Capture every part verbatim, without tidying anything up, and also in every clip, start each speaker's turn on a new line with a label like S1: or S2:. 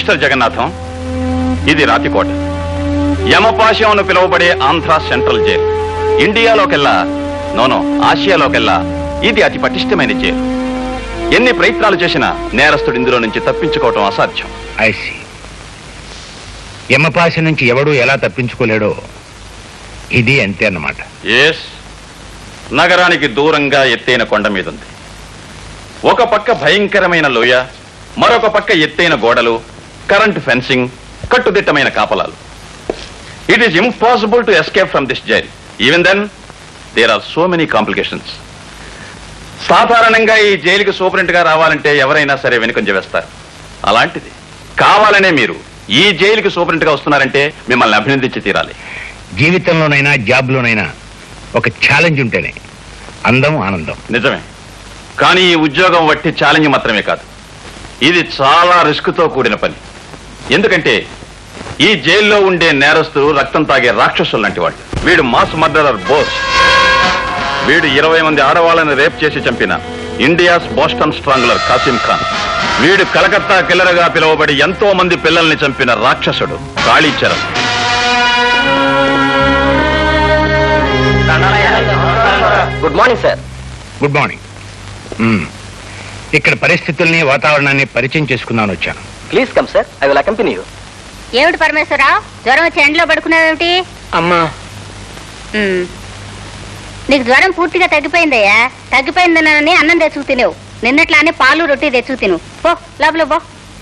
S1: Mister Jagannatham, ఇది రాతికోట. యమపాశం అని పిలువబడే ఆంధ్ర సెంట్రల్ జైలు. ఇండియాలోకెల్లా, నోనో ఆసియాలోకెల్లా ఇది అతి పటిష్టమైన జైలు. ఎన్ని ప్రయత్నాలు చేసినా నేరస్తుడు ఇందులో నుంచి తప్పించుకోవటం అసాధ్యం.
S2: ఐసి యమపాశ నుంచి ఎవడూ ఎలా తప్పించుకోలేడో ఇది అంతే అన్నమాట.
S1: ఎస్, నగరానికి దూరంగా ఎత్తైన కొండ మీద ఉంది. ఒక పక్క భయంకరమైన లోయ, మరొక పక్క ఎత్తైన గోడలు, కరెంట్ ఫెన్సింగ్, కట్టుదిట్టమైన కాపలాలు. It is impossible to escape from this jail. Even then there are so many complications. సాధారణంగా ఈ జైలుకి సూపరింట్ గా రావాలంటే ఎవరైనా సరే వెనుకంజ వేస్తారు. అలాంటిది కావాలనే మీరు ఈ జైలుకి సూపరింట్ గా వస్తున్నారంటే మిమ్మల్ని అభినందించి తీరాలి.
S2: జీవితంలోనైనా జాబ్లోనైనా ఒక ఛాలెంజ్ ఉంటేనే అందం, ఆనందం.
S1: నిజమే, కానీ ఈ ఉద్యోగం వట్టి ఛాలెంజ్ మాత్రమే కాదు, ఇది చాలా రిస్క్ తో కూడిన పని. ఎందుకంటే ఈ జైల్లో ఉండే నేరస్తులు రక్తం తాగే రాక్షసులు లాంటి వాళ్ళు. వీడు మాస్ మర్డరర్ బోస్. వీడు ఇరవై మంది ఆడవాళ్ళని రేప్ చేసి చంపిన India's Boston strangler Kasim Khan. వీడు కలకత్తా కిల్లర్ గా పిలువబడి ఎంతో మంది పిల్లల్ని చంపిన రాక్షసుడు Kalicharan.
S3: Good morning sir.
S2: Good morning. ఇక్కడ పరిస్థితుల్ని, వాతావరణాన్ని పరిచయం చేసుకుందామని వచ్చాను.
S3: Please come sir, I will accompany you.
S4: ఏమిటి పరమేశ్వరరావు, జ్వరం వచ్చి ఎండలో పడుకున్నావేమిటి?
S3: అమ్మా,
S4: నీకు జ్వరం పూర్తిగా తగ్గిపోయిందయ్యా. తగ్గిపోయిందనని అన్నం తెచ్చుకు తినేవు. నిన్నట్లానే పాలు రొట్టి తెచ్చుకు తిను. పో లోపల పో.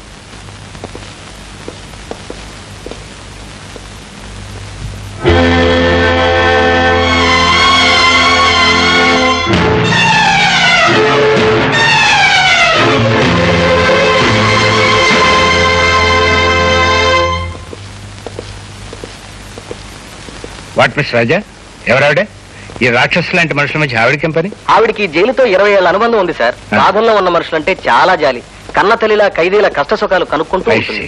S2: వాట్ మిస్ రాజా, ఎవరావిడే? ఈ రాక్షసు లాంటి మనుషుల మధ్య ఆవిడకేం పని?
S3: ఆవిడికి జైలుతో ఇరవై ఏళ్ళ అనుబంధం ఉంది సార్. బాధల్లో ఉన్న మనుషులంటే చాలా జాలి. కన్న తల్లిలా ఖైదీల కష్ట సుఖాలు కనుక్కుంటూ ఉంటుంది.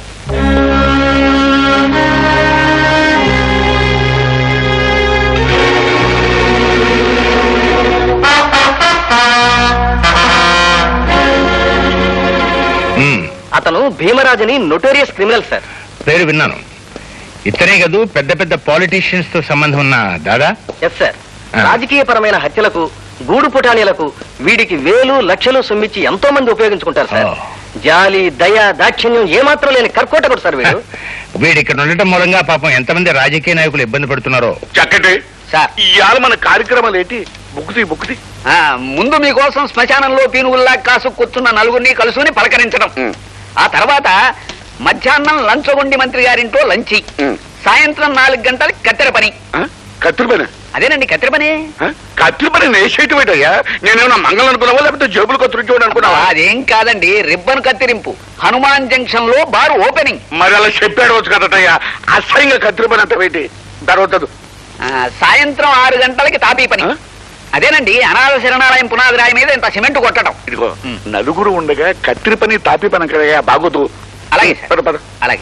S3: అతను భీమరాజుని నొటోరియస్ క్రిమినల్ సార్.
S2: పేరు విన్నాను. ఇతనే కదూ పెద్ద పెద్ద పాలిటీషియన్స్ తో సంబంధం ఉన్న దాదా?
S3: Yes sir. రాజకీయ పరమైన హత్యలకు, గూడు పుటానీలకు వీడికి వేలు లక్షలు సొమ్మిచ్చి ఎంతో మంది ఉపయోగించుకుంటారు సార్. జాలి, దయ, దాక్షిణ్యం ఏమాత్రం లేని కర్కోటకుడు సార్ వీడు.
S2: వీడు ఇక్కడ ఉండటం మూలంగా పాపం ఎంతమంది రాజకీయ నాయకులు ఇబ్బంది పడుతున్నారో.
S5: చక్కటి
S3: సార్,
S5: ఇవాళ మన కార్యక్రమాలు ఏంటి? బుక్కుతి బుక్కుతి
S3: ముందు మీకోసం శ్మశానంలో పీనుగుల్లా కాసు కూర్చున్న నలుగురిని కలుసుకుని పలకరించడం. ఆ తర్వాత మధ్యాహ్నం లంచగొండి మంత్రి గారింటో లంచి, సాయంత్రం నాలుగు గంటలకి కత్తెర పని.
S5: కత్తిరి పని?
S3: అదేనండి కత్తెర పని.
S5: కత్తిరి పని నేసేయటం ఏంటయ్యా? నేనేమన్నా మంగళం అనుకున్నావా, లేకపోతే జేబులు కత్తిరించడం అనుకున్నావా?
S3: అదేం కాదండి, రిబ్బన్ కత్తిరింపు. హనుమాన్ జంక్షన్ లో బారు ఓపెనింగ్.
S5: మరి అలా చెప్పాడు వచ్చు కదటయ్యా. అసహ్యంగా కత్తిరి పని అంత ఏంటి? తర్వాత
S3: సాయంత్రం ఆరు గంటలకి తాపీ పని. అదేనండి అనాథ శరణాలయం పునాది రాయి మీద ఇంత సిమెంట్ కొట్టడం.
S5: ఇదిగో నలుగురు ఉండగా కత్తిరి పని తాపీ పని కదయ్యా, బాగోదు.
S3: అలాగే సార్, అలాగే.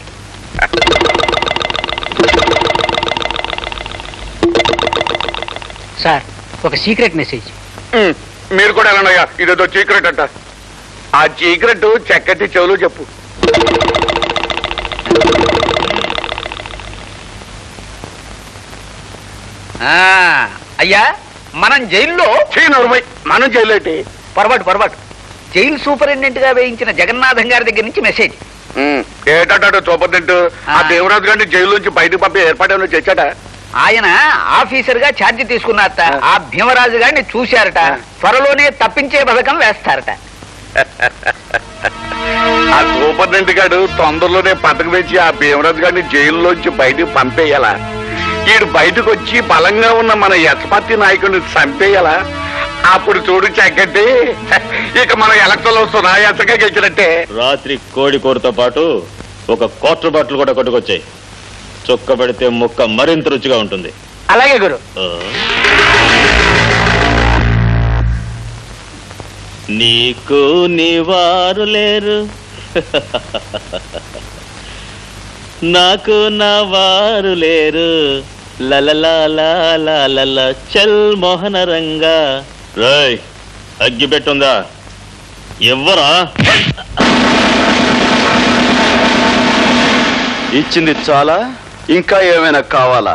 S3: సార్, ఒక సీక్రెట్ మెసేజ్.
S5: మీరు కూడా వెళ్ళండియ్యా, ఇదేదో సీక్రెట్ అంట. ఆ సీక్రెట్ చక్కటి చెవులు చెప్పు.
S3: అయ్యా, మనం జైల్లో
S5: మనం జైలు ఏంటి?
S3: పొరపాటు పొరపాటు జైలు సూపరింటెండెంట్ గా వేయించిన జగన్నాథం గారి దగ్గర నుంచి మెసేజ్.
S5: ఏటాడు సూపరింటెండెంట్ ఆ దేవరాజు గారిని జైలు నుంచి బయటకు పంపి ఏర్పాటు చేశాట.
S3: ఆయన ఆఫీసర్ గా ఛార్జీ తీసుకున్నారట. ఆ భీమరాజు గారిని చూశారట. త్వరలోనే తప్పించే పథకం వేస్తారట.
S5: ఆ సూపరింటెండెంట్ గారు తొందరలోనే పథకం వేసి ఆ భీమరాజు గారిని జైల్లోంచి బయటకు పంపేయాలా? ఈడు బయటకు వచ్చి బలంగా ఉన్న మన యశపతి నాయకుడిని చంపేయాలా? అప్పుడు చూడు చక్కటి, ఇక మన ఎలక్షన్ వస్తున్నా ఎంతగా గెలిచినట్టే.
S1: రాత్రి కోడి కూరతో పాటు ఒక క్వార్టర్ బాటిల్ కూడా కొట్టుకొచ్చాయి. చొక్క పెడితే ముక్క మరింత రుచిగా ఉంటుంది.
S3: అలాగే గురు.
S1: నీకు నీవారు లేరు, నాకు నా వారు లేరు. లలలా చల్ మోహన రంగా. రాయ్, అగ్గి పెట్టుందా? ఎవ్వరా?
S5: ఇచ్చింది చాలా, ఇంకా ఏమైనా కావాలా?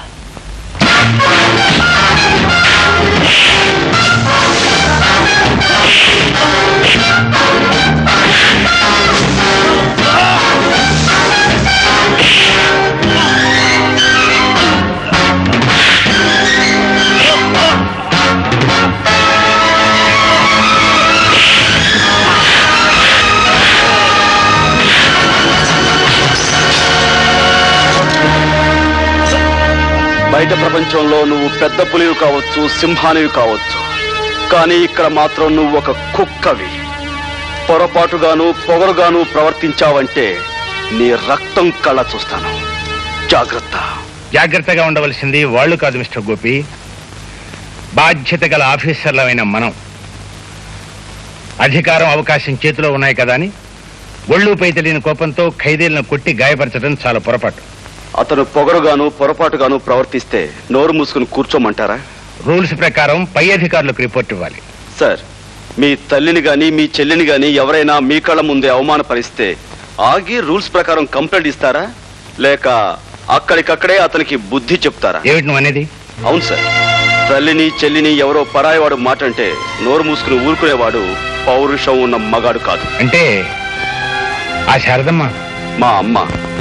S5: బయట ప్రపంచంలో నువ్వు పెద్ద పులివి కావచ్చు, సింహానివి కావచ్చు, కానీ ఇక్కడ మాత్రం నువ్వు ఒక కుక్కవి. పొరపాటుగాను పొగరుగాను ప్రవర్తించావంటే నీ రక్తం కళ్ళ చూస్తాను. జాగ్రత్త.
S2: జాగ్రత్తగా ఉండవలసింది వాళ్ళు కాదు మిస్టర్ గోపి, బాధ్యత గల ఆఫీసర్లమైన మనం. అధికారం అవకాశం చేతిలో ఉన్నాయి కదా అని ఒళ్ళు పై తెలియని కోపంతో ఖైదీలను కొట్టి గాయపరచడం చాలా పొరపాటు.
S5: అతను పొగరుగాను పొరపాటుగాను ప్రవర్తిస్తే నోరు మూసుకుని కూర్చోమంటారా?
S2: రూల్స్ ప్రకారం పై అధికారులకు రిపోర్ట్ ఇవ్వాలి.
S5: సార్, మీ తల్లిని గాని మీ చెల్లిని గాని ఎవరైనా మీ కళ్ళ ముందే అవమానపరిస్తే ఆగి రూల్స్ ప్రకారం కంప్లైంట్ ఇస్తారా, లేక అక్కడికక్కడే అతనికి బుద్ధి చెప్తారా?
S2: ఏమిటి నువ్వు అనేది?
S5: అవును సార్, తల్లిని చెల్లిని ఎవరో పరాయివాడు మాట అంటే నోరు మూసుకుని ఊరుకునేవాడు పౌరుషం ఉన్న మగాడు కాదు.
S2: అంటే ఆ శారదమ్మ
S5: మా అమ్మ